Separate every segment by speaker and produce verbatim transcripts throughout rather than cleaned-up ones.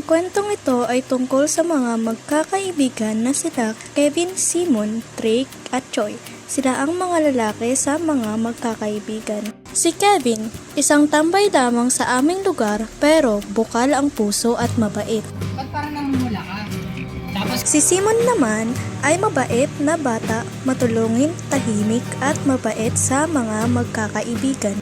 Speaker 1: Ang kwentong ito ay tungkol sa mga magkakaibigan na sila Kevin, Simon, Drake at Choi. Sila ang mga lalaki sa mga magkakaibigan. Si Kevin, isang tambay lamang sa aming lugar pero bukal ang puso at mabait.
Speaker 2: Ba't parang namumula ka? Tapos,
Speaker 1: Si Simon naman ay mabait na bata, matulungin, tahimik at mabait sa mga magkakaibigan.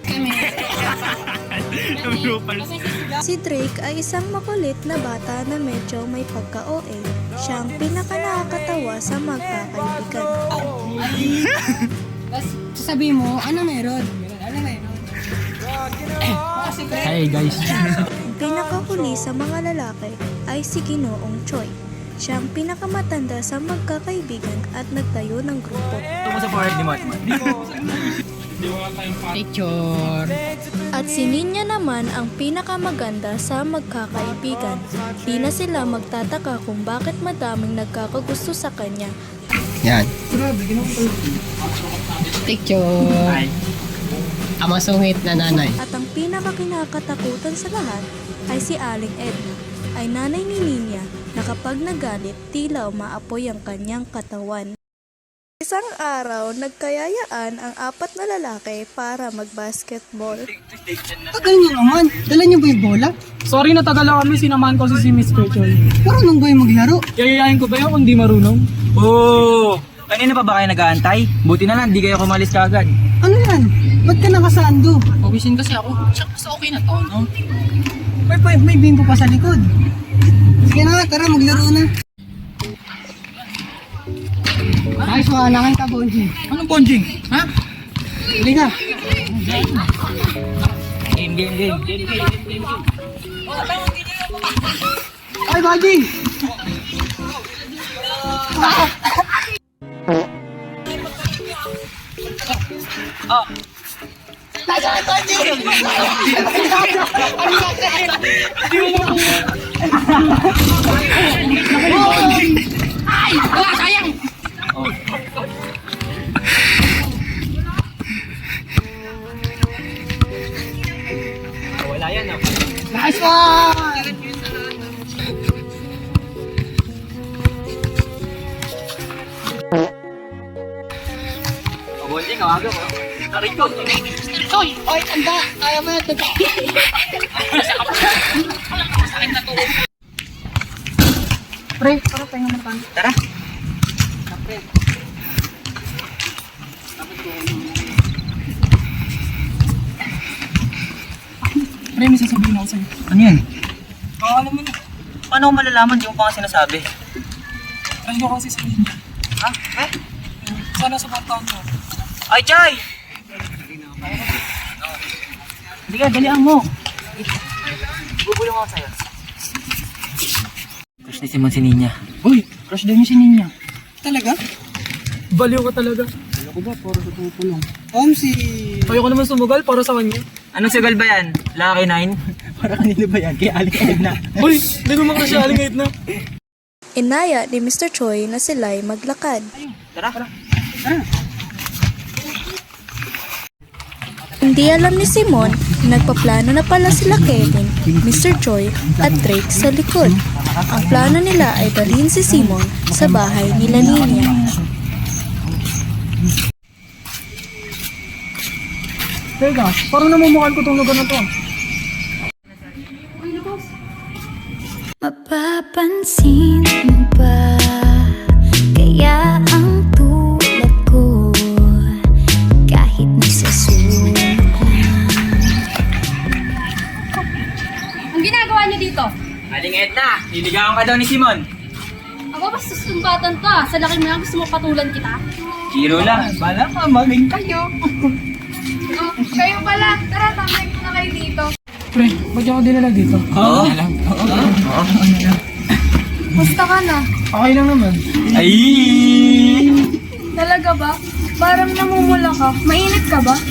Speaker 1: Si Drake ay isang makulit na bata na medyo may pagka-O A. Siya ang pinaka-nakakatawa sa magkakaibigan.
Speaker 2: tapos sasabihin mo, ano meron? Ano meron?
Speaker 3: Hey guys.
Speaker 1: Ang pinakahuli sa mga lalaki ay si Ginoong Choi. Siya ang pinakamatanda sa magkakaibigan at nagtayo ng grupo.
Speaker 3: Ito mo sa forehead ni Matman.
Speaker 2: Picture.
Speaker 1: At si Ninya naman ang pinakamaganda sa magkakaibigan. Di na sila magtataka kung bakit madaming nagkakagusto sa kanya.
Speaker 3: Yan.
Speaker 2: Picture. Ang masungit na nanay.
Speaker 1: At ang pinakakinakatakutan sa lahat ay si Aling Edna, ay nanay ni Ninya na kapag nagalit tila umaapoy ang kanyang katawan. Isang araw, nagkayayaan ang apat na lalaki para mag-basketball.
Speaker 2: Tagal niyo naman. Dala niyo ba yung bola?
Speaker 4: Sorry na tagala kami, sinamahan ko si si Miss Rachel.
Speaker 2: Marunong ba yung maglaro?
Speaker 4: Yayayain ko ba yun kung di marunong?
Speaker 3: Oo! Kanina pa ba kayo nag-aantay? Buti na lang, di kayo kumalis kagad.
Speaker 2: Ano yan? Ba't ka nakasando? Pawisin kasi ako. Tsaka basta okay na to, no? May, may, may bimbo pa sa likod. Sige na, tara maglaro na. Nice one, nakay ka, Bonjing.
Speaker 3: Anong bonjing? Ha?
Speaker 2: Huli ka.
Speaker 3: Game, game, game. Game, game, game, game.
Speaker 2: Ay, Bonjing!
Speaker 3: Oh.
Speaker 2: Ay! Wala, sayang!
Speaker 3: Wala yan, no?
Speaker 2: Nice one!
Speaker 3: Oh, bonjing, awaga mo. Narikot.
Speaker 2: Hoy! Hoy, tanda! Kaya mo na ito. Pre, para tayo naman tayo.
Speaker 3: Tara.
Speaker 4: Pre, may sasabihin ako sa'yo.
Speaker 3: Ano yan?
Speaker 4: Oo, alam mo na.
Speaker 3: Paano ko malalaman? Di mo pa nga sinasabi.
Speaker 4: Alam ko kasi sa inyo.
Speaker 3: Ha? Eh?
Speaker 4: Sana supportahan mo.
Speaker 3: Ay, Chay! Hindi ka, dalihan mo. Bubulong ako sa'yo. Crush ni Simon si Ninya.
Speaker 4: Uy, crush din yung si Ninya.
Speaker 2: Talaga?
Speaker 4: Baliw ka talaga.
Speaker 2: Ano ko ba? Para sa pupulong. Om, si...
Speaker 4: Ayoko naman sumugal para sa kanya.
Speaker 3: Anong sugal ba yan? Lucky Nine? Para kanino ba yan? Kaya Aling Edna.
Speaker 4: Uy, hindi ko makasyaling kahit na.
Speaker 1: Inaya ni Mister Choi na sila'y maglakad.
Speaker 3: Tara.
Speaker 1: Hindi alam ni Simon, nagpaplano na pala sila Kevin, Mister Choi at Drake sa likod. Ang plano nila ay dalhin si Simon sa bahay nila Ninya.
Speaker 4: Teka, parang namumukhaan ko itong lugar na to.
Speaker 5: Mapapansin mo ba kaya ang tulad ko kahit nagsasulok lang?
Speaker 6: Ang ginagawa niyo dito?
Speaker 3: Aling Edna, niligawan ka daw ni Simon.
Speaker 6: Ako basta sumbatan ka. Sa laki mo lang gusto mo patulan kita.
Speaker 3: Chiro lang. Bala ka, maging
Speaker 6: Kayo? Oh, kayo pala. Tara, tambay ko na kayo dito.
Speaker 4: Pre, ba't ako dinala dito?
Speaker 3: Oo. Oo.
Speaker 6: Musta ka na?
Speaker 4: Okay lang naman.
Speaker 3: Ay!
Speaker 6: Talaga ba? Parang namumula ka. Mainit ka ba?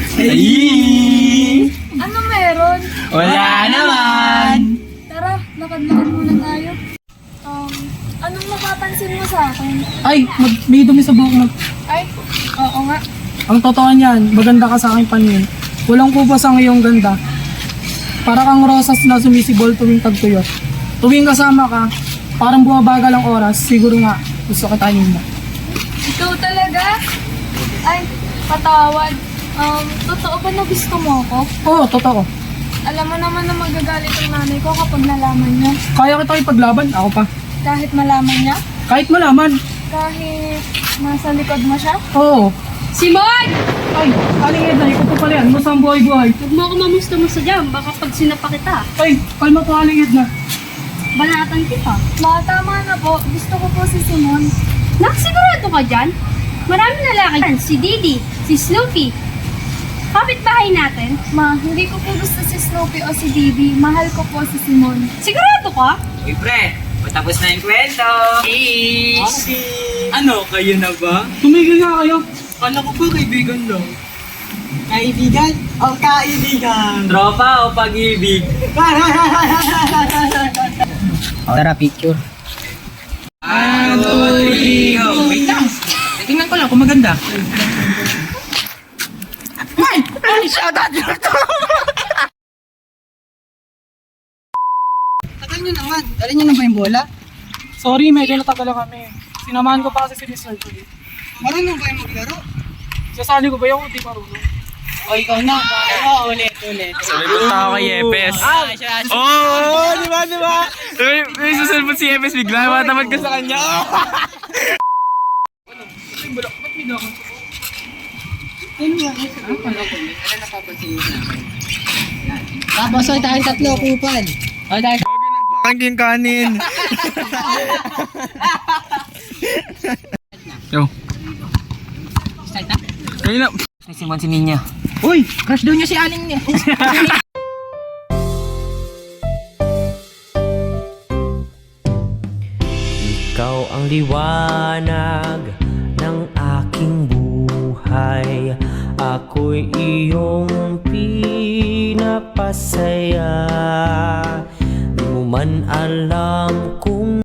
Speaker 3: Ay!
Speaker 6: Ano meron?
Speaker 3: Wala naman!
Speaker 6: Tara, lakad-lakad muna tayo. Um, anong mapapansin mo sa akin?
Speaker 4: Ay, mag may dumi sa buhok mo.
Speaker 6: Ay, oo nga.
Speaker 4: Ang totoo niyan, maganda ka sa aking paningin. Walang kubas ang iyong ganda. Para kang rosas na sumisibol tuwing tagtuyot. Tuwing kasama ka, parang bumabagal ang oras. Siguro nga, gusto ka tayo na.
Speaker 6: Ikaw talaga? Ay, patawad. Um, totoo ba na gusto mo ako?
Speaker 4: Oo, totoo.
Speaker 6: Alam mo naman na magagalit ang nanay ko kapag nalaman niya.
Speaker 4: Kaya kita ipaglaban, ako pa.
Speaker 6: Kahit malaman niya?
Speaker 4: Kahit malaman.
Speaker 6: Kahit nasa likod mo siya?
Speaker 4: Oo.
Speaker 6: Simon!
Speaker 4: Ay, Aling Edna, ikaw pa pala yan. Musta ang buhay-buhay?
Speaker 6: Huwag mo ako mamusta mo sa jam. Baka pag sinapa kita,
Speaker 4: Ay, kalma po Aling Edna.
Speaker 6: banatan kita. Ma, tama na po. Gusto ko po si Simon. Nakasigurado ka dyan? Marami na lalaki dyan. Si Didi, si Snoopy. Kapit-bahay natin. Ma, hindi ko po gusto si Snoopy o si Didi. Mahal ko po si Simon. Sigurado ka?
Speaker 3: Uy, pre, matapos na yung kwento. Cheese! Ano, kayo na ba?
Speaker 4: Tumigil nga kayo.
Speaker 3: Kala ko ba kaibigan lang?
Speaker 2: Kaibigan o kaibigan?
Speaker 3: Tropa o pag-ibig?
Speaker 2: Tara, picture.
Speaker 3: One, two, three, go! Wait lang! Tingnan ko lang kung maganda.
Speaker 2: Tagal nyo naman. Dala nyo na ba yung bola?
Speaker 4: Sorry, medyo natagal lang kami. Sinamahan ko pa kasi si mister ko. eh.
Speaker 2: Marunong ba yung maglaro?
Speaker 4: Sasali ko ba yung hindi marunong?
Speaker 2: O ikaw na. Oo, ulit, ulit.
Speaker 3: Sabi ko tao kay Epes. Oo! Di ba, di ba? May, may susulpot si Epes bigla. Matamad ka sa kanya.
Speaker 2: Tapos ay tayong tatlo, kupal. O tayo.
Speaker 3: Pangking kanin. Yo.
Speaker 2: Start na?
Speaker 3: Kayo na. Si Simon si Ninya.
Speaker 2: Uy, crush daw niya si Aling niya.
Speaker 7: Ikaw ang liwanag ng aking buhay. Ako'y iyong pinapasaya. Di mo man alam kung